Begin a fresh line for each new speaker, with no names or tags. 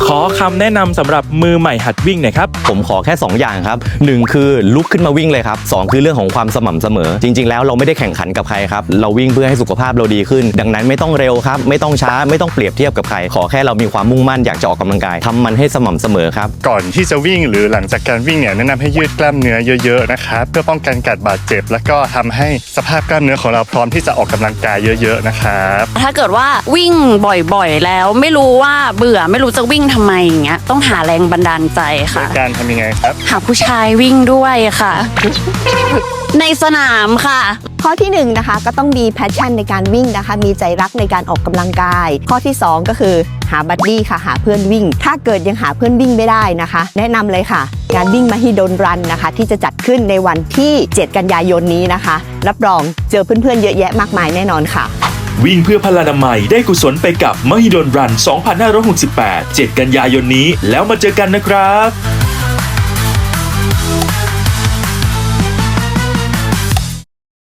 ขอคำแนะนำสำหรับมือใหม่หัดวิ่งหน่อยครับ
ผมขอแค่2อย่างครับ1คือลุกขึ้นมาวิ่งเลยครับ2คือเรื่องของความสม่ำเสมอจริงๆแล้วเราไม่ได้แข่งขันกับใครครับเราวิ่งเพื่อให้สุขภาพเราดีขึ้นดังนั้นไม่ต้องเร็วครับไม่ต้องช้าไม่ต้องเปรียบเทียบกับใครขอแค่เรามีความมุ่งมั่นอยากจะออกกำลังกายทำมันให้สม่ำเสมอครับ
ก่อนที่จะวิ่งหรือหลังจากการวิ่งเนี่ยแนะนำให้ยืดกล้ามเนื้อเยอะๆนะครับเพื่อป้องกันการบาดเจ็บแล้วก็ทำให้สภาพกล้ามเนื้อของเราพร้อมที่จะออกกำลังกายเยอะๆนะครับ
ถ้าเกิดว่าวิ่งบ่อยๆแล้วไม่รู้ว่าเบื่อไม่รู้จะวิ่งทำไมอย่างเงี้ยต้องหาแรงบันดาลใจค่ะ
การทำยังไงครับ
หาผู้ชายวิ่งด้วยค่ะ ในสนามค่ะ
ข้อที่1นะคะก็ต้องมีแพชชั่นในการวิ่งนะคะมีใจรักในการออกกำลังกายข้อที่2ก็คือหาบัดดี้ค่ะหาเพื่อนวิ่งถ้าเกิดยังหาเพื่อนวิ่งไม่ได้นะคะแนะนำเลยค่ะงานวิ่งมหิดลรันนะคะที่จะจัดขึ้นในวันที่7กันยายนนี้นะคะรับรองเจอเพื่อนๆเยอะแยะมากมายแน่นอนค่ะ
วิ่งเพื่อพลานามัยได้กุศลไปกับมหิดลรัน 2568 7 กันยายนนี้แล้วมาเจอกันนะครับ